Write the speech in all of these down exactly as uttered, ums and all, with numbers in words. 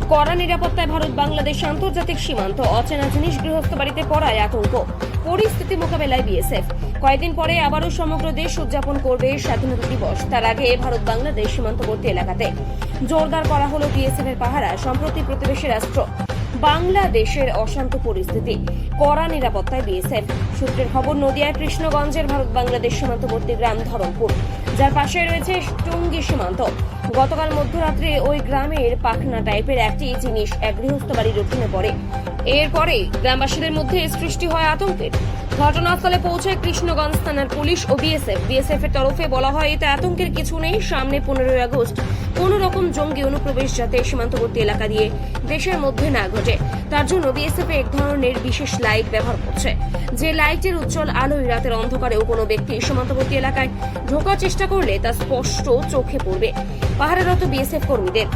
কড়া নিরাপত্তায় ভারত বাংলাদেশ আন্তর্জাতিক সীমান্ত, অচেনা জিনিস গৃহস্থ বাড়িতে পড়ায় আতঙ্ক। পরিস্থিতি মোকাবেলায় বিএসএফ। কয়েকদিন পরে আবারও সমগ্র দেশ উদযাপন করবে স্বাধীনতা দিবস। তার আগে ভারত বাংলাদেশ সীমান্তবর্তী এলাকাতে জোরদার করা হলো বিএসএফ এর পাহারা। সম্প্রতি প্রতিবেশী রাষ্ট্র বাংলাদেশের অশান্ত পরিস্থিতি, কড়া নিরাপত্তায় বিএসএফ। সূত্রের খবর, নদিয়ার কৃষ্ণগঞ্জের ভারত বাংলাদেশ সীমান্তবর্তী গ্রাম ধরমপুর, যার পাশে রয়েছে টঙ্গী সীমান্ত। গতকাল মধ্যরাত্রে ওই গ্রামের পাখনা টাইপের একটি জিনিস এক গৃহস্থ বাড়ির উঠোনে পড়ে। এরপরে গ্রামবাসীদের মধ্যে সৃষ্টি হয় আতঙ্কের। ঘটনাস্থলে পৌঁছায় কৃষ্ণগঞ্জ থানার পুলিশ ও বিএসএফ। বিএসএফ এর তরফে বলা হয়, এতে আতঙ্কের কিছু নেই। সামনে পনেরোই আগস্ট কোন রকম জঙ্গি অনুপ্রবেশ যাতে সীমান্তবর্তী এলাকা দিয়ে দেশের মধ্যে না ঘটে, তার জন্য বিএসএফ এক ধরনের বিশেষ লাইট ব্যবহার করছে। যে লাইটের উজ্জ্বল আলোয় রাতের অন্ধকারেও কোনো ব্যক্তি সীমান্তবর্তী এলাকায় ঢোকার চেষ্টা করলে তা স্পষ্ট চোখে পড়বে পাহারারত বিএসএফ কর্মীদের।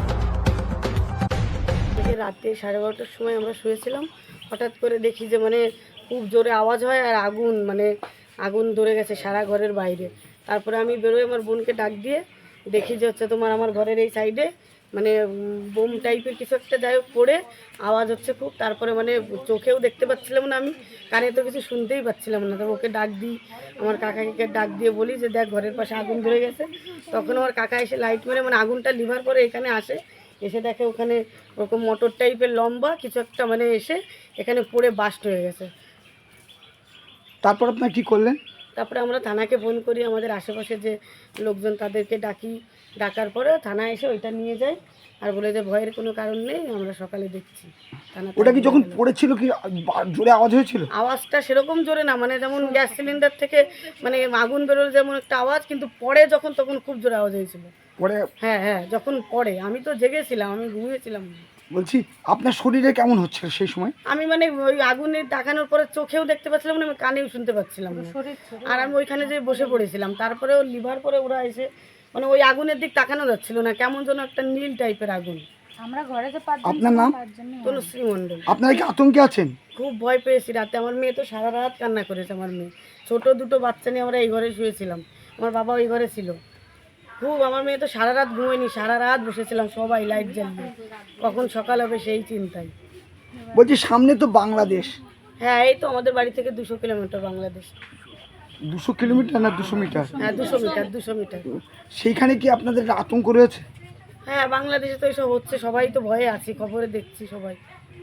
রাতে সাড়ে বারোটার সময় আমরা শুয়েছিলাম, হঠাৎ করে দেখি যে মানে খুব জোরে আওয়াজ হয় আর আগুন, মানে আগুন ধরে গেছে সারা ঘরের বাইরে। তারপরে আমি বেরোই, আমার বোনকে ডাক দিয়ে দেখি যে হচ্ছে তোমার আমার ঘরের এই সাইডে মানে বোম টাইপের কিছু একটা যাই হোক পড়ে আওয়াজ হচ্ছে খুব। তারপরে মানে চোখেও দেখতে পাচ্ছিলাম না, আমি কানে তো কিছু শুনতেই পাচ্ছিলাম না। তবে ওকে ডাক দিই, আমার কাকাকে ডাক দিয়ে বলি যে দেখ ঘরের পাশে আগুন ধরে গেছে। তখন আমার কাকা এসে লাইট মেরে মানে আগুনটা লিভার করে এখানে আসে, এসে দেখে ওখানে ওরকম মোটর টাইপের লম্বা কিছু একটা মানে এসে এখানে পড়ে বাস্ট হয়ে গেছে। তারপর আপনার কি করলেন? তারপরে আমরা থানাকে ফোন করি, আমাদের আশেপাশে যে লোকজন তাদেরকে ডাকি। ডাকার পরে থানা এসে ওইটা নিয়ে যায় আর বলে যে ভয়ের কোনো কারণ নেই, আমরা সকালে দেখছি। ওটা কি যখন পড়েছিল কি জোরে আওয়াজ হয়েছিল? আওয়াজটা সেরকম জোরে না, মানে যেমন গ্যাস সিলিন্ডার থেকে মানে আগুন বেরোলে যেমন একটা আওয়াজ, কিন্তু পড়ে যখন তখন খুব জোরে আওয়াজ হয়েছিল। পরে? হ্যাঁ হ্যাঁ, যখন পড়ে আমি তো জেগেছিলাম, আমি ঘুমিয়েছিলাম। বলছি আপনার শরীরে কেমন হচ্ছিল সেই সময়? আমি মানে ওই আগুনে তাকানোর পরে চোখেও দেখতে পাচ্ছিলাম না, আমি কানেও শুনতে পাচ্ছিলাম না। আর আমি ওইখানে যে বসে পড়েছিলাম, তারপরে ও লিভার পরে ওরা এসে মানে ওই আগুনের দিক তাকানো যাচ্ছিল না, কেমন যেন একটা নীল টাইপের আগুন। আমরা ঘরে যে পাঁচজন। আপনার নাম? তনুশ্রী মণ্ডল। আপনারা কি আতঙ্কে আছেন? খুব ভয় পেয়েছি রাতে। আমার মেয়ে তো সারা রাত কান্না করেছে। আমার মেয়ে ছোট দুটো বাচ্চা নিয়ে আমরা এই ঘরে শুয়েছিলাম, আমার বাবা ওই ঘরে ছিল। খুব আমার মেয়ে তো সারা রাত ঘুমোয়নি, সারা রাত বসেছিলাম সবাই লাইট জ্বালিয়ে, কখন সকাল হবে সেই চিন্তায়। বলছি সামনে তো বাংলাদেশ। হ্যাঁ, এই তো আমাদের বাড়ি থেকে দুশো কিলোমিটার বাংলাদেশ। দুশো কিলোমিটার না দুশো মিটার? হ্যাঁ দুশো মিটার, দুশো মিটার। সেইখানে কি আপনাদের আতঙ্ক রয়েছে? হ্যাঁ, বাংলাদেশে তো এসব হচ্ছে, সবাই তো ভয়ে আছি, খবরে দেখছি সবাই।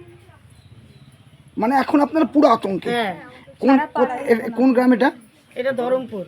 মানে এখন আপনারা পুরো আতঙ্কে? হ্যাঁ। কোন কোন গ্রাম এটা? এটা ধরমপুর।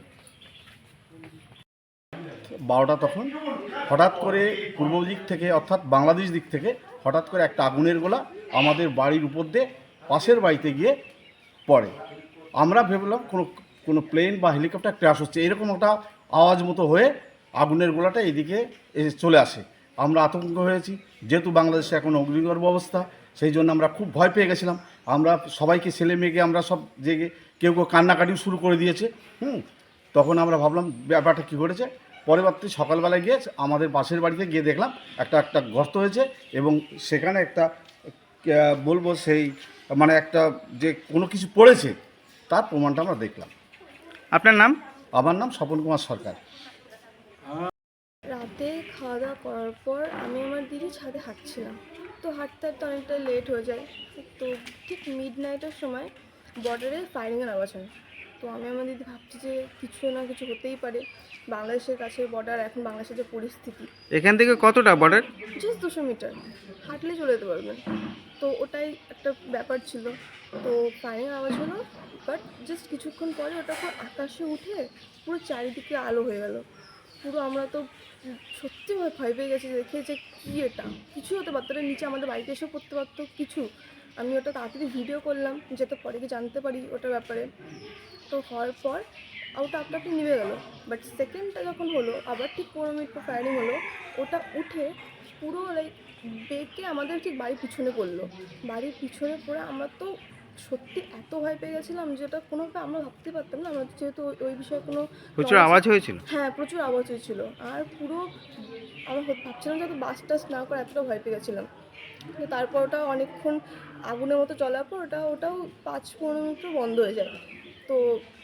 বারোটা তখন হঠাৎ করে পূর্ব দিক থেকে অর্থাৎ বাংলাদেশ দিক থেকে হঠাৎ করে একটা আগুনের গোলা আমাদের বাড়ির উপর দিয়ে পাশের বাড়িতে গিয়ে পড়ে। আমরা ভেবলাম কোনো কোনো প্লেন বা হেলিকপ্টার ক্র্যাশ হচ্ছে, এরকম একটা আওয়াজ মতো হয়ে আগুনের গোলাটা এদিকে এসে চলে আসে। আমরা আতঙ্ক হয়েছি, যেহেতু বাংলাদেশে এখন অগ্নিগর্ভ অবস্থা, সেই জন্য আমরা খুব ভয় পেয়ে গেছিলাম। আমরা সবাইকে ছেলে মেয়েকে আমরা সব জেগে কেউ কেউ কান্নাকাটিও শুরু করে দিয়েছে। হুম তখন আমরা ভাবলাম ব্যাপারটা কী ঘটেছে। পরবর্তী সকালবেলায় গিয়ে আমাদের পাশের বাড়িতে গিয়ে দেখলাম একটা একটা গর্ত হয়েছে এবং সেখানে একটা বলবো সেই মানে একটা যে কোনো কিছু পড়েছে তার প্রমাণটা আমরা দেখলাম। আপনার নাম? আমার নাম স্বপন কুমার সরকার। রাতে খাওয়া দাওয়া করার পর আমি আমার দিদি ছাদে হাঁটছিলাম, তো হাঁটতে হাঁটতে অনেকটা লেট হয়ে যায়। তো ঠিক মিড নাইটের সময় বর্ডারে ফায়ারিংয়ের আওয়াজ হয়। তো আমি আমার দিদি ভাবছি যে কিছু না কিছু হতেই পারে, বাংলাদেশের কাছে বর্ডার, এখন বাংলাদেশের যে পরিস্থিতি। এখান থেকে কতটা বর্ডার? জাস্ট দুশো মিটার হাঁটলে চলে যেতে পারবেন। তো ওটাই একটা ব্যাপার ছিল। তো ফায়ারিংয়ের আওয়াজ হলো, বাট জাস্ট কিছুক্ষণ পরে ওটা পুরো আকাশে উঠে পুরো চারিদিকে আলো হয়ে গেল। পুরো আমরা তো সত্যি ভয় পেয়ে গেছি দেখে যে কী এটা, কিছু হতে পারতো, ওটা নিচে আমাদের বাড়িতে এসেও পড়তে পারতো কিছু। আমি ওটা তাড়াতাড়ি ভিডিও করলাম যাতে পরে কি জানতে পারি ওটার ব্যাপারে। তো হওয়ার পর ওটা আপনা আপনি নিভে গেলো। বাট সেকেন্ডটা যখন হলো, আবার ঠিক পনেরো মিনিট পর ফায়ারিং হলো, ওটা উঠে পুরো লাইক বেঁকে আমাদের ঠিক বাড়ির পিছনে পড়লো। বাড়ির পিছনে পড়ে আমরা তো সত্যি এত ভয় পেয়ে গেছিলাম যেটা কোনোভাবে আমরা ভাবতে পারতাম না। আমরা যেহেতু ওই বিষয়ে কোনো প্রচুর আওয়াজ হয়েছিল। হ্যাঁ প্রচুর আওয়াজ হয়েছিল। আর পুরো আমরা ভাবছিলাম যে বাস টাস না করে এতটা ভয় পেয়ে গেছিলাম। তো তারপর ওটা অনেকক্ষণ আগুনের মতো চলার পর ওটা ওটাও পাঁচ পনেরো মিনিট বন্ধ হয়ে যায়। তো